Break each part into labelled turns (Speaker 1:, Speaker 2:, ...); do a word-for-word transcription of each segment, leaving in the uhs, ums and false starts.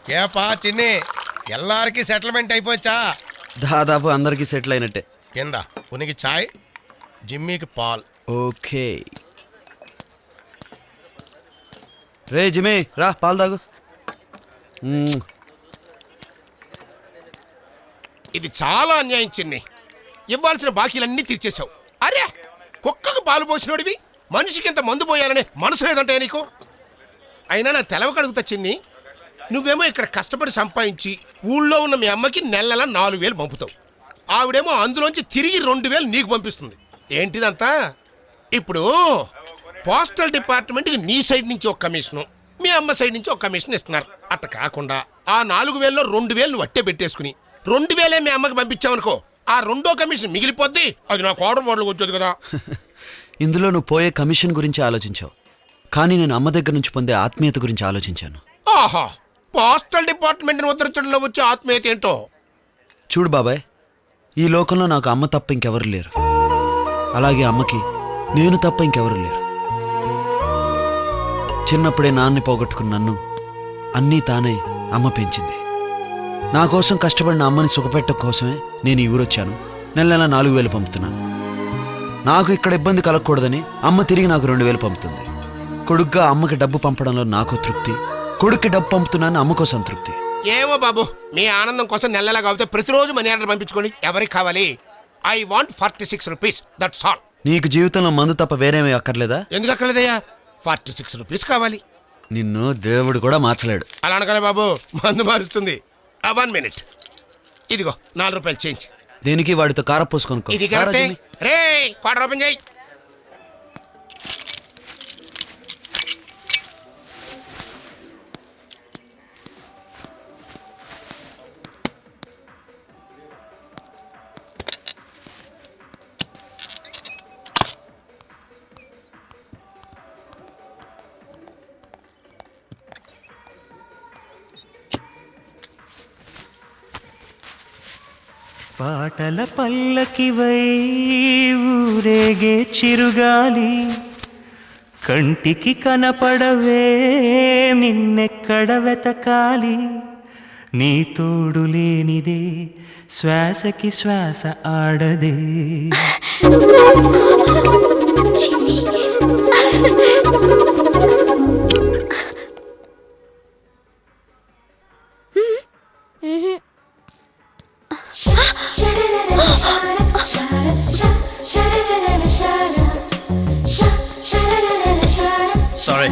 Speaker 1: ఏపా చిన్ని ఎల్లారికి సెటిల్మెంట్ అయిపోవచ్చా?
Speaker 2: దాదాపు అందరికీ సెటిల్ అయినట్టే.
Speaker 1: కింద ఉనికి చాయ్, జిమ్మీకి పాల్.
Speaker 2: ఓకే రే జిమ్మి రా పాలు తాగు. మ్మ్.
Speaker 1: ఇది చాలా అన్యాయం చిన్ని. ఇవ్వాల్సిన బాకీలన్నీ తీర్చేశావు. అరే కుక్కకు పాలు పోసినోడివి మనిషికి ఇంత మందు పోయాలనే మనసు లేదంటే నీకు. అయినా నా తెలవ కడుగుతా చిన్ని, నువ్వేమో ఇక్కడ కష్టపడి సంపాదించి ఊళ్ళో ఉన్న మీ అమ్మకి నెల నెల నాలుగు వేలు పంపుతావు. ఆవిడేమో అందులోంచి తిరిగి రెండు వేలు నీకు పంపిస్తుంది. ఏంటిదంతా? ఇప్పుడు పోస్టల్ డిపార్ట్మెంట్కి నీ సైడ్ నుంచి ఒక కమిషను, మీ అమ్మ సైడ్ నుంచి ఒక కమిషన్ ఇస్తున్నారు. అట్ట కాకుండా ఆ నాలుగు వేలలో రెండు వేలు నువ్వు అట్టే పెట్టేసుకుని రెండు వేలే మీ అమ్మకి పంపించావనుకో, ఆ రెండో కమిషన్ మిగిలిపోద్ది. అది నా కోట మోడల్కి వచ్చేది కదా.
Speaker 2: ఇందులో నువ్వు పోయే కమిషన్ గురించి ఆలోచించావు, కానీ నేను అమ్మ దగ్గర నుంచి పొందే ఆత్మీయత గురించి ఆలోచించాను.
Speaker 1: ఆహా, పోస్టల్ డిపార్ట్మెంట్ని ఉద్ధరించడంలో వచ్చే ఆత్మీయత ఏంటో
Speaker 2: చూడు బాబాయ్, ఈ లోకంలో నాకు అమ్మ తప్ప ఇంకెవరు లేరు. అలాగే అమ్మకి నేను తప్ప ఇంకెవరు లేరు. చిన్నప్పుడే నాన్ని పోగొట్టుకున్న నన్ను అన్నీ తానే అమ్మ పెంచింది. నా కోసం కష్టపడిన అమ్మని సుఖపెట్టడం కోసమే నేను ఈ ఊరొచ్చాను. నెల నెల నాలుగు వేలు పంపుతున్నాను. నాకు ఇక్కడ ఇబ్బంది కలగకూడదని అమ్మ తిరిగి నాకు రెండు వేలు పంపుతుంది. కొడుగ్గా అమ్మకి డబ్బు పంపడంలో నాకు తృప్తి, కొడుక్కి డబ్బు పంపుతున్నాను అమ్మకో సంతృప్తి.
Speaker 1: ఏమో బాబు, మీ ఆనందం కోసం నెలలా కాకపోతే ప్రతిరోజు మనీ ఆర్డర్ పంపించుకోండి. ఎవరికి కావాలి? I want forty six rupees, that's all.
Speaker 2: నీకు జీవితంలో మందు తప్ప వేరేమీ అక్కర్లేదా?
Speaker 1: ఎందుకు అక్కర్లేదయ్యా? ఫార్టీ సిక్స్ రూపీస్ కావాలి.
Speaker 2: నిన్ను దేవుడు కూడా మార్చలేడు.
Speaker 1: అలా అనగలే బాబు, మందు మారుస్తుంది. వన్ మినిట్, ఇదిగో నాలుగు రూపాయలు చేంజ్.
Speaker 2: దేనికి? వాడితో కారపోసుకొనుకో.
Speaker 1: ఇది కరెక్టే. రే క్వార్టర్ ఓపెన్ చేయి.
Speaker 3: పాటల పల్లకివై ఊరేగే చిరుగాలి, కంటికి కనపడవే నిన్నెక్కడ వెతకాలి, నీ తోడు లేనిదే శ్వాసకి శ్వాస ఆడదే.
Speaker 4: Sorry.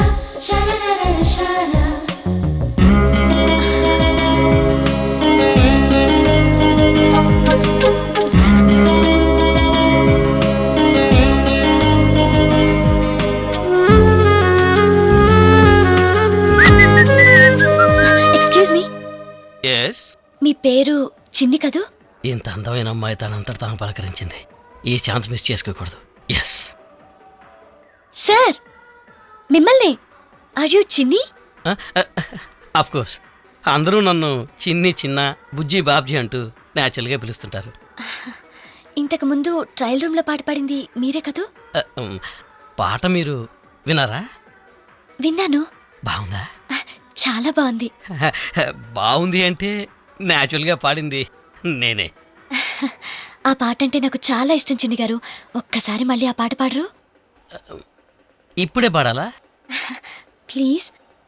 Speaker 5: Excuse me.
Speaker 4: ఎస్.
Speaker 5: మీ పేరు చిన్ని కదూ?
Speaker 4: ఇంత అందమైన అమ్మాయి తనంతట తాను పలకరించింది. ఈ ఛాన్స్ మిస్ చేసుకోకూడదు. ఎస్
Speaker 5: సార్, మిమ్మల్ని. Are you Chinni?
Speaker 4: Of course. అందరూ నన్ను చిన్ని, చిన్న, బుజ్జి, బాబ్జీ అంటూ న్యాచురల్గా పిలుస్తుంటారు.
Speaker 5: ఇంతకు ముందు ట్రయల్ రూమ్లో పాట పాడింది మీరే కదూ?
Speaker 4: Uh, um, పాట మీరు విన్నారా?
Speaker 5: విన్నాను.
Speaker 4: బాగుందా?
Speaker 5: చాలా బాగుంది.
Speaker 4: బాగుంది అంటే న్యాచురల్గా పాడింది నేనే.
Speaker 5: ఆ పాట అంటే నాకు చాలా ఇష్టం చిన్ని గారు. ఒక్కసారి మళ్ళీ ఆ పాట పాడరు?
Speaker 4: ఇప్పుడే పాడాలా?
Speaker 5: ప్లీజ్.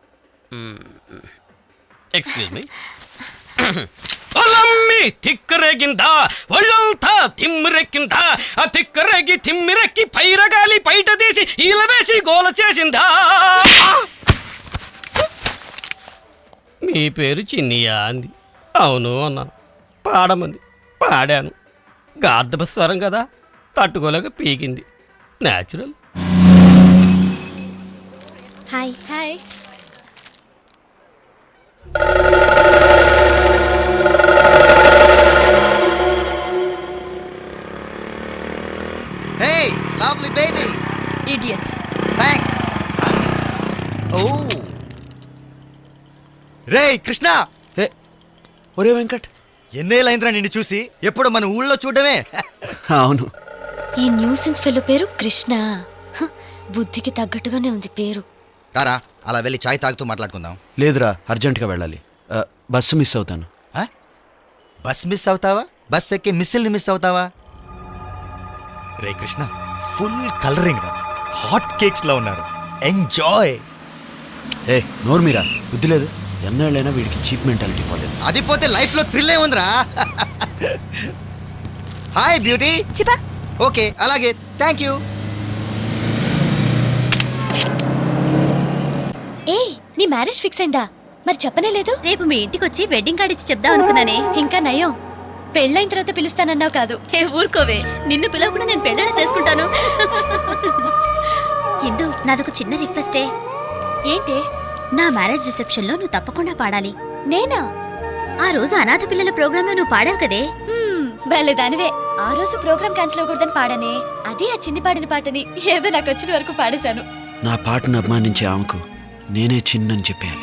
Speaker 4: Excuse me. ఒలమ్మి తిక్కరేగిందా, ఒళ్ళంతా తిమ్మిరెక్కిందా, ఆ తిక్కరేగి తిమ్మిరెక్కి పైరగాలి బయట తీసి ఈలవేసి గోల చేసిందా. మీ పేరు చిన్నియా అంది. అవును అన్నాను. పాడమంది. పాడాను. గార్ధపస్వరం కదా, తట్టుకోలేక పీకింది. Natural.
Speaker 5: Hi hi.
Speaker 6: Hey, lovely babies.
Speaker 5: Idiot.
Speaker 6: Thanks. Oh. రేయ్ కృష్ణ,
Speaker 2: ఏ ఒరే వెంకట్,
Speaker 6: ఎన్నేళ్ళైందిరా నిన్ను చూసి? ఎప్పుడు మన ఊళ్ళో చూడమే.
Speaker 2: అవును.
Speaker 5: ఈ న్యూసెన్స్ ఫెలో పేరు కృష్ణ. హ, బుద్ధికి తగ్గట్టుగానే ఉంది పేరు.
Speaker 6: రారా, అలా వెళ్ళి చాయ్ తాగుతూ మాట్లాడుకుందాం.
Speaker 2: లేదురా, అర్జెంటుగా వెళ్ళాలి. ఆ, బస్సు మిస్ అవుతాను.
Speaker 6: ఆ? బస్ మిస్ అవుతావా? బస్ ఎక్కి మిస్సిల్ని మిస్ అవుతావా? రే కృష్ణ, ఫుల్ కలరింగ్ రా, హాట్ కేక్స్ లా ఉన్నారు. ఎంజాయ్.
Speaker 2: ఏ నోరు మీరా, బుద్ధి లేదు. ఎన్నేళ్ళైనా వీడికి చీప్ మెంటాలిటీ పోలేదు.
Speaker 6: అది పోతే లైఫ్ లో థ్రిల్ ఏముందిరా? Hi beauty.
Speaker 5: చిపా
Speaker 6: ఓకే, అలాగే, థ్యాంక్ యూ.
Speaker 5: ఏయ్ నీ మ్యారేజ్ ఫిక్స్ అయిందా? మరి చెప్పనే లేదు.
Speaker 7: రేపు మీ ఇంటికి వచ్చి వెడ్డింగ్ కార్డ్ ఇచ్చి చెప్దాం అనుకున్నానే.
Speaker 5: ఇంకా నయం, పెళ్ళైన తర్వాత పిలుస్తానన్నావు కాదు.
Speaker 7: ఏ ఊరుకోవే, నిన్ను పిలవకుండా నేను పెళ్ళాడ చేసుకుంటాను. ఇందు, నాదొక చిన్న రిక్వెస్టే.
Speaker 5: ఏంటి?
Speaker 7: నా మ్యారేజ్ రిసెప్షన్ లో నువ్వు తప్పకుండా పాడాలి.
Speaker 5: నేనా?
Speaker 7: ఆ రోజు అనాథ పిల్లల ప్రోగ్రామ్ లో నువ్వు పాడావు కదే.
Speaker 5: హ్మ్, భలే దానివే. ఆ రోజు ప్రోగ్రామ్ క్యాన్సిల్ అవ్వకూడదని పాడానే. అది ఆ చిన్ని పాడిన పాటని ఏదో నాకు వచ్చిన వరకు పాడేశాను.
Speaker 2: నా పాటను అభిమానించే ఆమెకు నేనే చిన్నని చెప్పేయాలి.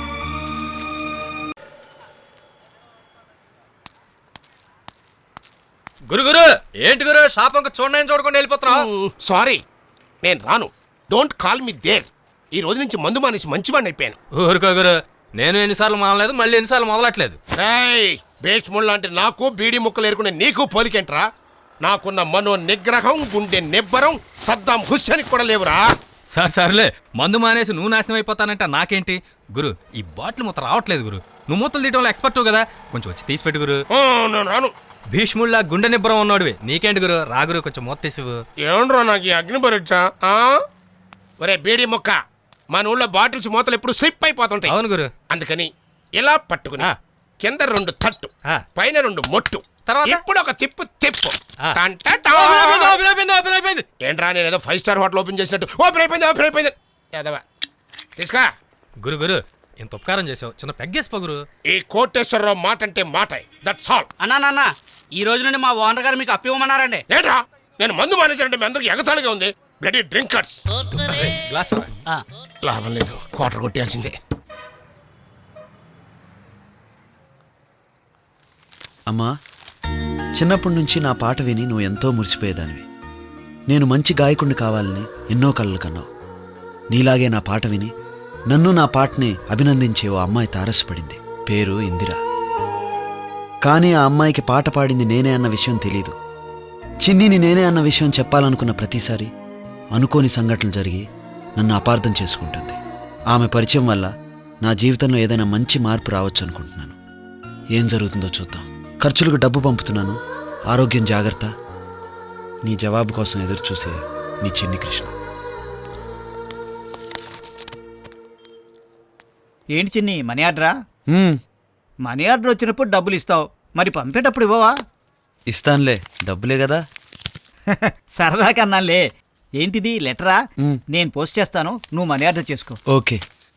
Speaker 4: గురు గురు ఏంటి గురు షాప్ అంక చూడండి చూడకుండా వెళ్ళిపోతున్నావు?
Speaker 1: సారీ, నేను రాను. Don't call me there. ఈ రోజు నుంచి మందు మానేసి మంచివాడిని అయిపోయాను.
Speaker 4: ఊరుకో గురు, నేను ఎన్నిసార్లు మానలేదు, మళ్ళీ ఎన్నిసార్లు మొదలట్లేదు.
Speaker 1: రేయ్, బేచ్ముళ్ళ అంటే నాకు బీడి ముక్కలు ఏరుకునే నీకు పోలికేంట్రా? నాకున్న మనో నిగ్రహం, గుండె నిబ్బరం సద్దాం హుస్సేన్ కూడా లేవురా.
Speaker 4: సార్ సర్లే, మందు మానేసి నువ్వు నాశనం అయిపోతానంటే నాకేంటి గురు? ఈ బాటిల్ మొత్తం రావట్లేదు గురు. నువ్వు మూతలు తీయటంలో ఎక్స్పర్ట్ కదా, కొంచెం వచ్చి తీసి పెట్టు గురు.
Speaker 1: ఆ, నేను రాను.
Speaker 4: భీష్ముళ్ళ గుండె నిబ్బరం ఉన్నాడువి, నీకేంటి గురు? రాగురు, కొంచెం మూత తీసివు.
Speaker 1: ఏమండ్రా నాకు ఈ అగ్ని పరీక్ష? ఒరే బీడి ముక్క, మన ఊళ్ళో బాటిల్స్ మూతలు ఎప్పుడు స్లిప్ అయిపోతుంటాయి.
Speaker 4: అవును గురు.
Speaker 1: అందుకని ఇలా పట్టుకుని
Speaker 4: ఆ.
Speaker 1: కింద రెండు తట్టు,
Speaker 4: ఆ.
Speaker 1: పైన రెండు మొట్టు,
Speaker 4: తర్వాత?
Speaker 1: ఇప్పుడు ఒక తిప్పు తిప్పు.
Speaker 4: ఆ.
Speaker 1: టంటటా.
Speaker 4: ఓపెన్ అయిపోయింది, అయిపోయింది, ఓపెన్ అయిపోయింది.
Speaker 1: ఏంట్రా నేను ఏదో ఫైవ్ స్టార్ హోటల్ ఓపెన్ చేసినట్టు ఓపెన్ అయిపోయింది ఓపెన్ అయిపోయింది. యాదవ తీసుకా.
Speaker 4: గురు గురు ఎంత ఉపకారం చేసావు, చిన్న పెగ్గేసిపో గురు.
Speaker 1: ఈ కోటేశ్వరరావు మాట అంటే మాట, దట్స్ ఆల్.
Speaker 8: అన్నా నాన్న, ఈ రోజు నుండి మా ఓనర్ గారు మీకు అప్పివ్వమన్నారండి.
Speaker 1: ఏంట్రా నేను మందు మానేసానంటే మీ అందరికి ఎగతాళిగా ఉంది. Bloody drinkers.
Speaker 4: గ్లాస్
Speaker 8: ఆ,
Speaker 1: లాభం లేదు, క్వార్టర్ కొట్టేయాల్సిందే.
Speaker 2: అమ్మా, చిన్నప్పటి నుంచి నా పాట విని నువ్వు ఎంతో మురిసిపోయేదానివి. నేను మంచి గాయకుడిని కావాలని ఎన్నో కలలు కన్నావు. నీలాగే నా పాట విని నన్ను నా పాటని అభినందించే ఓ అమ్మాయి తారసపడింది. పేరు ఇందిరా. కానీ ఆ అమ్మాయికి పాట పాడింది నేనే అన్న విషయం తెలీదు. చిన్నిని నేనే అన్న విషయం చెప్పాలనుకున్న ప్రతిసారి అనుకోని సంఘటనలు జరిగి నన్ను అపార్థం చేసుకుంటుంది. ఆమె పరిచయం వల్ల నా జీవితంలో ఏదైనా మంచి మార్పు రావచ్చు అనుకుంటున్నాను. ఏం జరుగుతుందో చూద్దాం. ఖర్చులకు డబ్బు పంపుతున్నాను. ఆరోగ్యం జాగ్రత్త. నీ జవాబు కోసం ఎదురు చూసే నీ చిన్ని కృష్ణ.
Speaker 8: ఏంటి చిన్ని, మనీ ఆర్డరా?
Speaker 2: హ్మ్,
Speaker 8: మనీ ఆర్డర్ వచ్చినప్పుడు డబ్బులు ఇస్తావు, మరి పంపేటప్పుడు ఇవ్వవా?
Speaker 2: ఇస్తానులే, డబ్బులే కదా.
Speaker 8: సరదాగా అన్నానులే. ఏంటిది లెటరా?
Speaker 2: మ్.
Speaker 8: నేను పోస్ట్ చేస్తాను, నువ్వు మనీ ఆర్డర్ చేసుకో.
Speaker 2: ఓకే.